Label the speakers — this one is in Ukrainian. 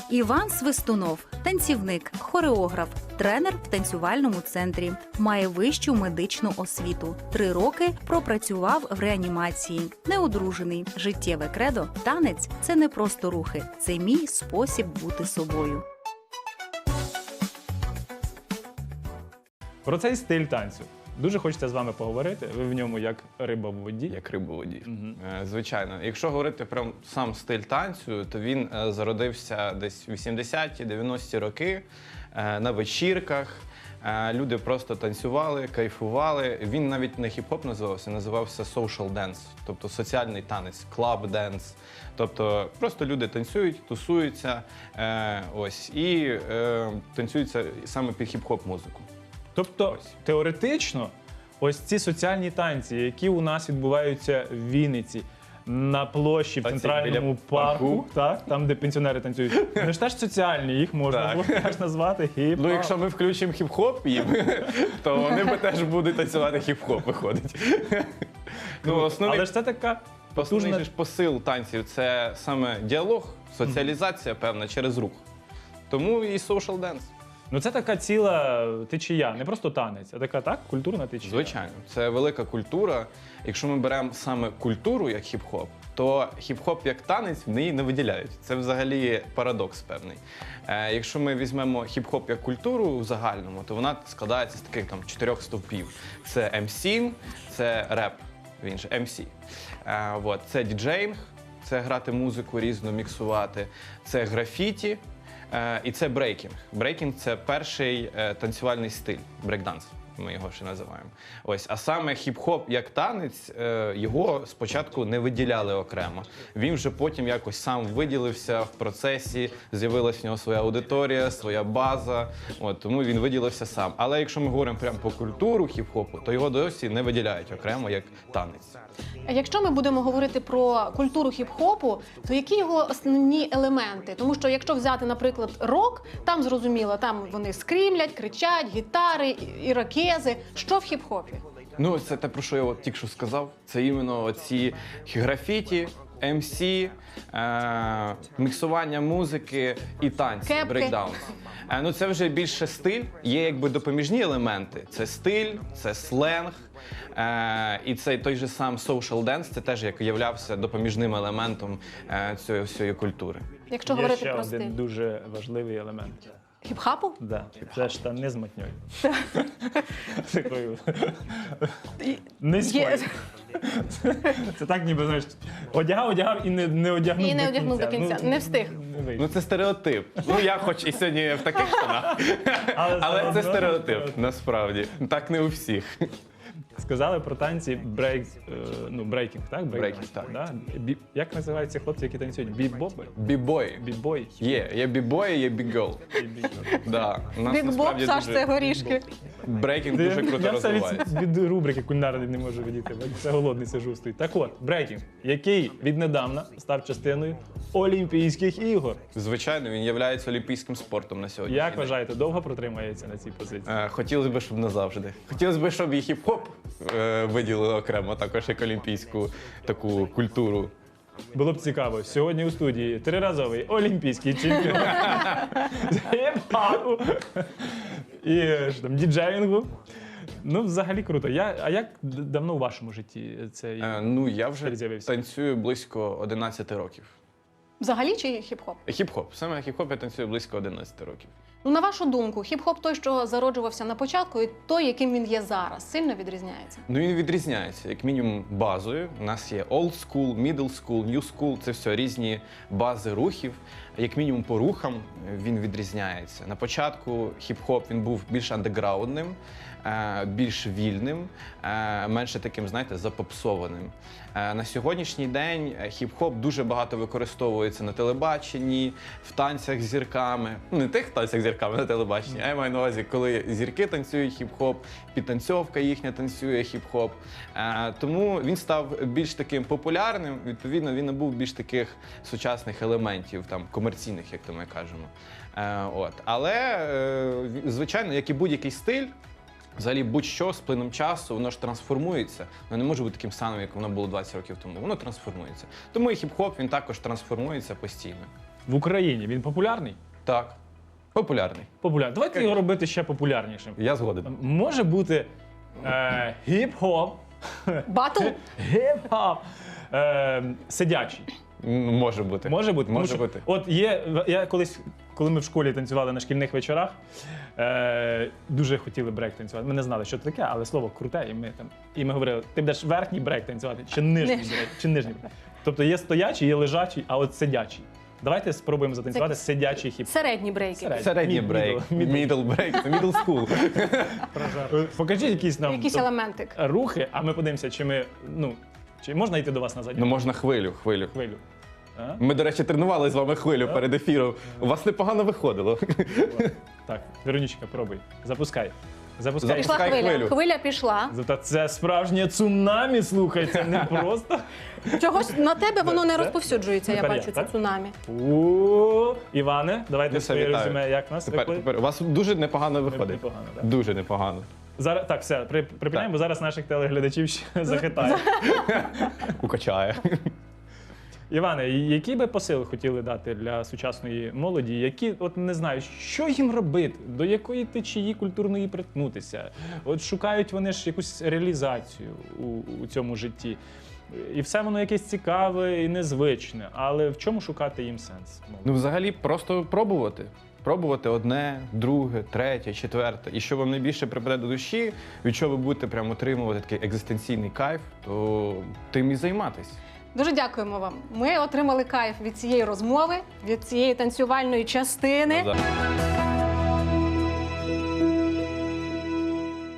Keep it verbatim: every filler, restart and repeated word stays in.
Speaker 1: Іван Свистунов – танцівник, хореограф, тренер в танцювальному центрі. Має вищу медичну освіту. Три роки пропрацював в реанімації. Неодружений. Життєве кредо – танець – це не просто рухи. Це мій спосіб бути собою.
Speaker 2: Про цей стиль танцю дуже хочеться з вами поговорити. Ви в ньому як риба в воді.
Speaker 3: Як риба в воді.
Speaker 2: Угу.
Speaker 3: Е, Звичайно. Якщо говорити про сам стиль танцю, то він е, зародився десь в вісімдесяті-дев'яності роки е, на вечірках. Е, Люди просто танцювали, кайфували. Він навіть не хіп-хоп називався, називався social dance, тобто соціальний танець, club dance. Тобто просто люди танцюють, тусуються е, ось, і е, танцюються саме під хіп-хоп музику.
Speaker 2: Тобто,
Speaker 3: Ось.
Speaker 2: теоретично, ось ці соціальні танці, які у нас відбуваються в Вінниці, на площі в
Speaker 3: Оці
Speaker 2: центральному
Speaker 3: біля
Speaker 2: парку,
Speaker 3: парку.
Speaker 2: так, там, де пенсіонери танцюють, вони ж теж соціальні, їх можна
Speaker 3: Так.
Speaker 2: було теж назвати хіп-хоп.
Speaker 3: Ну, якщо ми включимо хіп-хоп їм, то вони би теж будуть танцювати хіп-хоп, виходить. Ну, основний,
Speaker 2: Але ж це така
Speaker 3: основний
Speaker 2: потужна...
Speaker 3: же ж посил танців – це саме діалог, соціалізація певна через рух. Тому і social dance.
Speaker 2: Ну це така ціла течія, не просто танець, а така, так, культурна течія.
Speaker 3: Звичайно, це велика культура. Якщо ми беремо саме культуру як хіп-хоп, то хіп-хоп як танець в неї не виділяють. Це взагалі парадокс певний. Е, якщо ми візьмемо хіп-хоп як культуру в загальному, то вона складається з таких там чотирьох стовпів. Це ем сі, це реп, він же ем сі. Е, вот, це діджеїнг, це грати музику різно, міксувати, це графіті. Е, і це брейкінг. Брейкінг – це перший е, танцювальний стиль, брейкданс, ми його ще називаємо. Ось, а саме хіп-хоп як танець, е, його спочатку не виділяли окремо. Він вже потім якось сам виділився в процесі, з'явилась в нього своя аудиторія, своя база, от, тому він виділився сам. Але якщо ми говоримо прямо по культуру хіп-хопу, то його досі не виділяють окремо як танець.
Speaker 4: А якщо ми будемо говорити про культуру хіп-хопу, то які його основні елементи? Тому що якщо взяти, наприклад, рок, там зрозуміло, там вони скрімлять, кричать, гітари, ірокези. Що в хіп-хопі?
Speaker 3: Ну, це те, про що я от тільки що сказав. Це іменно оці графіті, ем сі, е, міксування музики і танці,
Speaker 4: Кепки.
Speaker 3: брейкдаунс. Е, ну, це вже більше стиль, є якби допоміжні елементи. Це стиль, це сленг, е, і цей той же сам social dance, це теж як являвся допоміжним елементом е, цієї всієї культури.
Speaker 4: Якщо
Speaker 2: Є
Speaker 4: говорити
Speaker 2: ще
Speaker 4: про
Speaker 2: один
Speaker 4: стиль.
Speaker 2: дуже важливий елемент.
Speaker 4: Хіп-хапу?
Speaker 2: Да. Це штани з мотньою. Такою низькою.
Speaker 4: Є.
Speaker 2: Це так ніби, знаєш, одягав, одягав і не, не одягнув
Speaker 4: І не
Speaker 2: до
Speaker 4: одягнув
Speaker 2: кінця.
Speaker 4: до кінця. Не встиг.
Speaker 2: Не вийшло.
Speaker 3: Ну, це стереотип. Ну, я хоч і сьогодні в таких штанах,
Speaker 2: Але
Speaker 3: але
Speaker 2: все
Speaker 3: це
Speaker 2: одно
Speaker 3: стереотип, насправді. Так не у всіх.
Speaker 2: Сказали про танці брейк, е, ну, брейкінг, так?
Speaker 3: Брейкінг, так.
Speaker 2: Да? Бі, як називаються хлопці, які танцюють? Бібоби?
Speaker 3: Бібої.
Speaker 2: Бібой?
Speaker 3: Є, є бібої, є бігол. Да. У нас
Speaker 4: Бік-боб,
Speaker 3: насправді
Speaker 4: Саш,
Speaker 3: дуже-
Speaker 4: це горішки.
Speaker 3: Брейкінг дуже круто
Speaker 2: Я все від,
Speaker 3: розвивається.
Speaker 2: від рубрики кулінарної не можу відійти, бо це голодний сижу стоїть. Так от, брейкінг, який віднедавна став частиною Олімпійських ігор.
Speaker 3: Звичайно, він є олімпійським спортом на сьогодні.
Speaker 2: Як вважаєте, довго протримається на цій позиції?
Speaker 3: Хотілося б, щоб назавжди. Хотілося б, щоб і хіп-хоп е, виділили окремо, також як олімпійську таку культуру.
Speaker 2: Було б цікаво. Сьогодні у студії триразовий олімпійський чемпіон з хіп-хопу і що там, діджеїнгу. Ну, взагалі круто. Я, а як д- давно у вашому житті цей
Speaker 3: Е, ну, я вже
Speaker 2: стиль з'явився?
Speaker 3: танцюю близько одинадцяти років.
Speaker 4: Взагалі чи хіп-хоп?
Speaker 3: Хіп-хоп. Саме хіп-хоп я танцюю близько одинадцяти років.
Speaker 4: Ну, на вашу думку, хіп-хоп той, що зароджувався на початку, і той, яким він є зараз, сильно відрізняється?
Speaker 3: Ну, він відрізняється, як мінімум, базою. У нас є old school, middle school, new school. Це все різні бази рухів. Як мінімум по рухам він відрізняється. На початку хіп-хоп він був більш андеграундним, е, більш вільним, е, менше таким, знаєте, запопсованим. Е, На сьогоднішній день хіп-хоп дуже багато використовується на телебаченні, в танцях з зірками. Ну, не тих танцях з зірками на телебаченні, а я маю на увазі, коли зірки танцюють хіп-хоп, підтанцьовка їхня танцює хіп-хоп. Е, Тому він став більш таким популярним, відповідно, він набув більш таких сучасних елементів, там, комерційних, як то ми кажемо. Е, От. Але, е, звичайно, як і будь-який стиль, взагалі будь-що з плином часу, воно ж трансформується. Воно не може бути таким самим, як воно було двадцять років тому. Воно трансформується. Тому і хіп-хоп, він також трансформується постійно.
Speaker 2: в Україні він популярний?
Speaker 3: Так. Популярний.
Speaker 2: Популярний. Давайте його робити ще популярнішим.
Speaker 3: Я згоден.
Speaker 2: Може бути е, гіп-хоп.
Speaker 4: Батл?
Speaker 2: Гіп-хоп. Е, сидячий.
Speaker 3: М, Може бути.
Speaker 2: Може бути? Тому
Speaker 3: Може
Speaker 2: що
Speaker 3: бути.
Speaker 2: От є, я колись, коли ми в школі танцювали на шкільних вечорах, е, дуже хотіли брейк танцювати. Ми не знали, що це таке, але слово круте, і ми там. І ми говорили, ти будеш верхній брейк танцювати, чи нижній
Speaker 4: Нижній.
Speaker 2: брейк, чи нижній брейк. Тобто є стоячий, є лежачий, а от сидячий. Давайте спробуємо затанцювати
Speaker 4: Це-
Speaker 2: сидячий хіп.
Speaker 4: Середні брейки.
Speaker 2: Середній.
Speaker 3: Середній
Speaker 2: Мід-
Speaker 3: брейк.
Speaker 2: мідл- мідл.
Speaker 3: Middle брейк. Це middle school.
Speaker 2: Е, Покажіть якісь нам
Speaker 4: Якийсь
Speaker 2: то-
Speaker 4: елементик.
Speaker 2: рухи, а ми подивимося, чи ми, ну, чи можна йти до вас на задню
Speaker 3: Ну можна хвилю, хвилю.
Speaker 2: хвилю. А?
Speaker 3: Ми, до речі, тренували з вами хвилю перед ефіром. У вас непогано виходило.
Speaker 2: Так, Веронічка, пробуй. Запускай. Запускай.
Speaker 4: Пішла
Speaker 3: Запускай
Speaker 4: хвиля.
Speaker 3: хвилю.
Speaker 4: Хвиля пішла.
Speaker 2: Та це справжнє цунамі, слухай, це не просто.
Speaker 4: Чогось на тебе воно не
Speaker 2: Це-
Speaker 4: розповсюджується, я
Speaker 2: Тепер я,
Speaker 4: бачу, це
Speaker 2: так?
Speaker 4: цунамі.
Speaker 2: О, Іване, давайте
Speaker 3: Ну, все,
Speaker 2: своє
Speaker 3: вітаю.
Speaker 2: резюме, як нас
Speaker 3: Тепер,
Speaker 2: виходить?
Speaker 3: тепер у вас дуже непогано виходить.
Speaker 2: Непогано, так.
Speaker 3: Дуже непогано.
Speaker 2: Зараз, так, все, при, припиняємо,
Speaker 3: Так.
Speaker 2: бо зараз наших телеглядачів ще захитає.
Speaker 3: Укачає.
Speaker 2: Іване, які би посили хотіли дати для сучасної молоді, які от не знаю, що їм робити, до якої течії культурної приткнутися? От шукають вони ж якусь реалізацію у, у цьому житті. І все воно якесь цікаве і незвичне. Але в чому шукати їм сенс?
Speaker 3: Ну, взагалі, просто пробувати. Пробувати одне, друге, третє, четверте. І що вам найбільше припаде до душі, від чого ви будете прямо отримувати такий екзистенційний кайф, то тим і займатись.
Speaker 4: Дуже дякуємо вам. Ми отримали кайф від цієї розмови, від цієї танцювальної частини.
Speaker 3: Назар.